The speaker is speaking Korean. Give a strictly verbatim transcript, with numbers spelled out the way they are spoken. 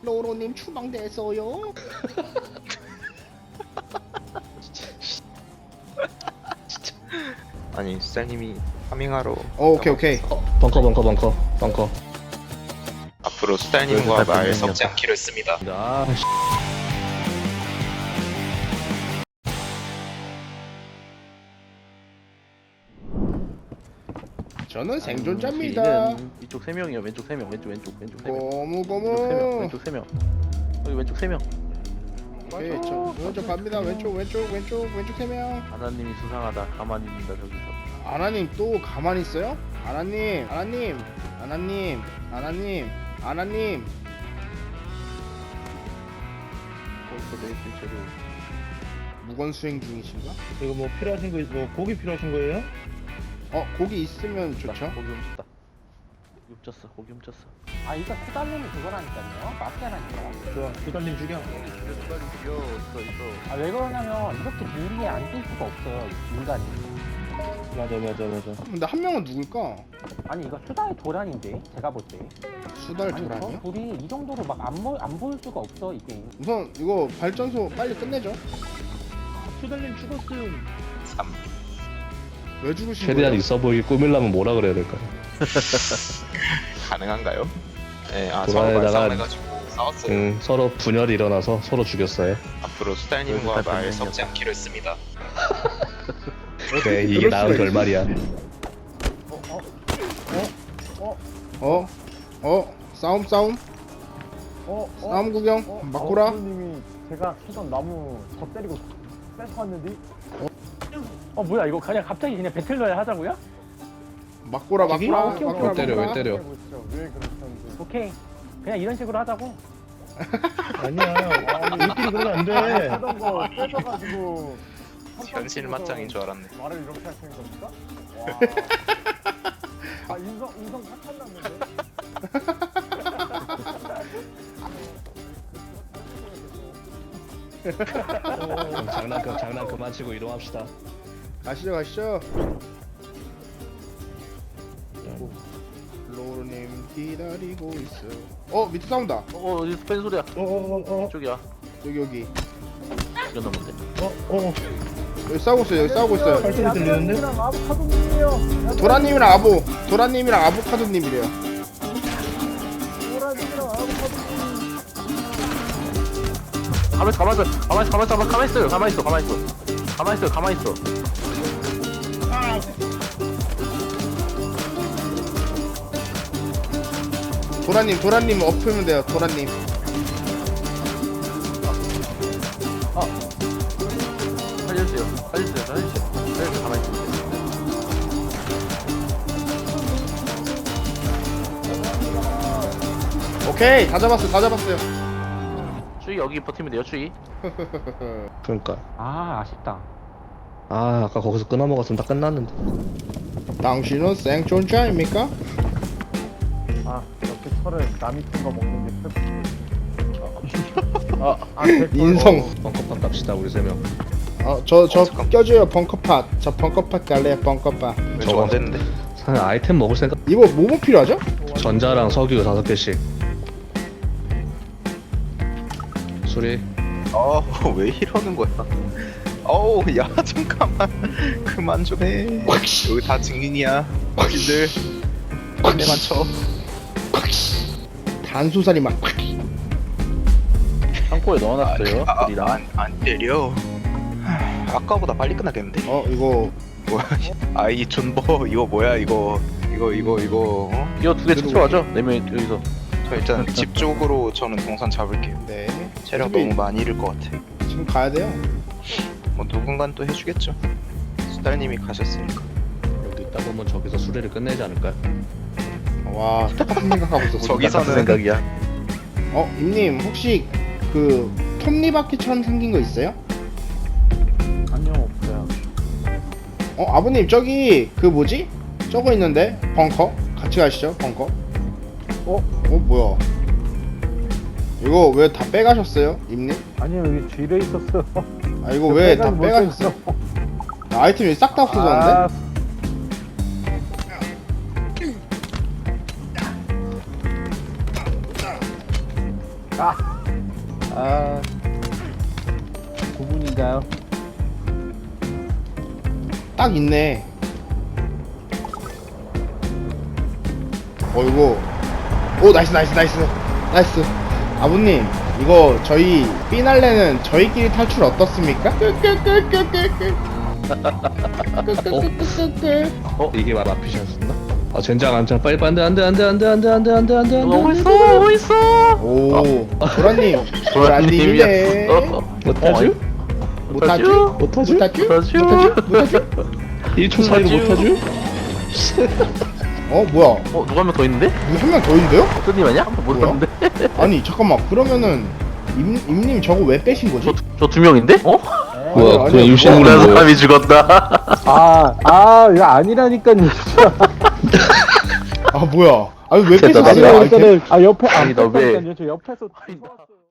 로로님 추방됐어요. 아니 수달님이 파밍하러 어, 오케이 오케이. 벙커 벙커 벙커 벙커. 앞으로 수달님과 말 섞지 않기로 했습니다. 아 씨. 저는 생존자입니다. 음, 이쪽 세 명이요. 왼쪽 세 명. 왼쪽 왼쪽 왼쪽 세 명. 고무 왼쪽 세 명. 고무. 왼쪽 세 명. 여기 왼쪽 세 명. 오케이, 저 왼쪽 갑니다. 왼쪽 왼쪽 왼쪽 왼쪽 세 명. 하나님이 수상하다. 가만히 있는다 저기서. 아나님 또 가만히 있어요? 아나님, 아나님, 아나님, 아나님, 아나님. 거기서 내 실체로. 무건 수행 중이신가? 이거 뭐 필요하신 거, 뭐 고기 필요하신 거예요? 어, 고기 있으면 좋죠. 고기 훔쳤다. 고기 훔쳤어. 고기 훔쳤어. 아 이거 수달님이 그거라니까요 마피아라니까. 좋아, 두달님 죽여. 빨리 죽여. 있어 있어. 아 왜 그러냐면 이렇게 무리에 앉을 수가 없어요 인간이. 맞아, 맞아, 맞아. 근데 한 명은 누굴까? 아니 이거 수달 도란인데 제가 볼 때. 수달 아니 도란이요? 저 둘이 이 정도로 막 안 안 보일 수가 없어 이 게임. 우선 이거 발전소 빨리 끝내죠. 두달님 죽었음. 삼. 왜 죽으신 최대한 거예요? 있어 보이게 꾸밀려면 뭐라 그래야 될까? 가능한가요? 네, 아 서로 도라에다가- 말싸움해가지고 싸웠어요. 응, 서로 분열이 일어나서 서로 죽였어요. 앞으로 수달님과 말 섞지 않기로 했습니다. 그래, 이게 그럴 나은 수가 결말이야. 어? 어? 싸움 싸움? 어? 싸움 구경? 막고라? 님이 제가 키던 나무 더 때리고 뺏어왔는데. 어 뭐야 이거 그냥 갑자기 그냥 배틀로얄 하자고요? 막고라 막고라 아, 오케이, 오케이, 막고라 왜 때려, 왜 막고라. 때려? 왜 그러셨는지. 오케이 그냥 이런 식으로 하자고. 아니야, 우리끼리 그러면 안 돼. 하던 거 뺏어가지고. 현실 맞짱인 줄 알았네. 말을 이렇게 하시는 겁니까? 와. 아 인성 인성 착한 났는데. 그럼 장난 그 장난 그만 치고 이동합시다. 가시죠 가시죠. 로로님 기다리고 있어. 어 밑에 싸운다. 어 어디서 뺀 소리야? 어, 어, 어, 저기야. 여기 여기 이건 넘는데. 어, 어, 여기 싸우고 있어요. 여기 싸우고 있어요. 발소리 들리는데? 아보카도님이요. 도라님이랑 아보 도라님이랑 아보카도님이래요. 도라님이랑 아보카도님. 가만 있어 가만 있어 가만 있어 가만 있어 가만 있어요. 가만 있어 가만 있어. 가만 있어 가만 있어. 도라님 도라님 엎으면 돼요. 도라님. 살려주세요. 살려주세요. 살려주세요. 살려주세요. 가만 있어. 오케이 다 잡았어 다 잡았어요. 추위 여기 버티면 돼요. 추위. 그러니까. 아 아쉽다. 아, 아까 거기서 끊어 먹었으면 다 끝났는데. 당신은 생존자입니까? 아 이렇게 철을 남이 큰 거 먹는 게 슬프지. 아, 아 대포. 인성. 벙커판 갑시다 우리 세 명. 어저 저 어, 잠깐. 껴줘요 벙커팟. 저 벙커팟 갈래요 벙커팟. 왜 저거. 저거 안 됐는데? 사실 아이템 먹을 생각. 이거 뭐뭐 필요하죠? 전자랑 석유 다섯 개씩. 수리. 어, 왜 이러는 거야? 어우, 야, 잠깐만. 그만 좀 해. 여기 다 증인이야. 어디들. 내만 쳐. 단소살이 막 창고에 넣어놨어요. 아, 우리랑. 안, 안 때려. 하, 아까보다 빨리 끝나겠는데? 어 이거 뭐야? 아, 이 존버. 이거 뭐야, 이거. 이거, 이거, 이거. 어? 이거 두 개 찾아와죠. 네 명이 여기서. 저 일단 집 쪽으로 저는 동선 잡을게요. 네 체력 어차피 너무 많이 잃을 것 같아. 지금 가야 돼요. 뭐 누군간 또 해주겠죠. 수달님이 가셨으니까. 여기 있다 보면 저기서 수리를 끝내지 않을까요? 와 똑같은 생각하고 있어. 저기서는 생각이야. 어 임님 혹시 그 톱니바퀴처럼 생긴 거 있어요? 안녕 없어요. 어 아버님 저기 그 뭐지? 저거 있는데 벙커 같이 가시죠 벙커. 어? 어 뭐야? 이거 왜 다 빼가셨어요 임님? 아니요 여기 쥐레 있었어요. 아 이거 왜 다 빼가지 빼가셨어요? 아, 아이템이 싹 다 없어졌는데? 아, 아, 두 분인가요? 딱 있네. 어 이거 오 나이스 나이스 나이스 나이스. 아버님 이거 저희 피날레는 저희끼리 탈출 어떻습니까? 끄끄끄끄끄끄. 끄끄끄끄끄. 어? 이게 말 앞이셨었나? 아 젠장 안장 빨리 안돼 안돼 안돼 안돼 안돼 안돼 안돼 안돼 안돼 오고 있어, 오고 있어. 오 도라님 도라님이네. 도라님이었어. 못하죠? 못하죠? 못하죠? 못하죠? 못하죠? 못하죠? 못하죠? 일 초 차이로 못하죠? 어 뭐야? 어, 누가 한 명 더 있는데? 한 명 더 있는데요? 어떤 아니야? 한 번 못 뭐야? 봤는데? 아니 잠깐만 그러면은 임, 임님 저거 왜 빼신 거지? 저 두 명인데? 어? 뭐야 아니, 그냥 아니, 임신한 억울한 건 뭐야? 사람이 죽었다. 아, 아, 이거 아니라니까요. 아 뭐야? 아니 왜 됐다, 빼셨어요? 나도 아이템? 아, 옆에, 아, 아니, 너 왜- 저 옆에서.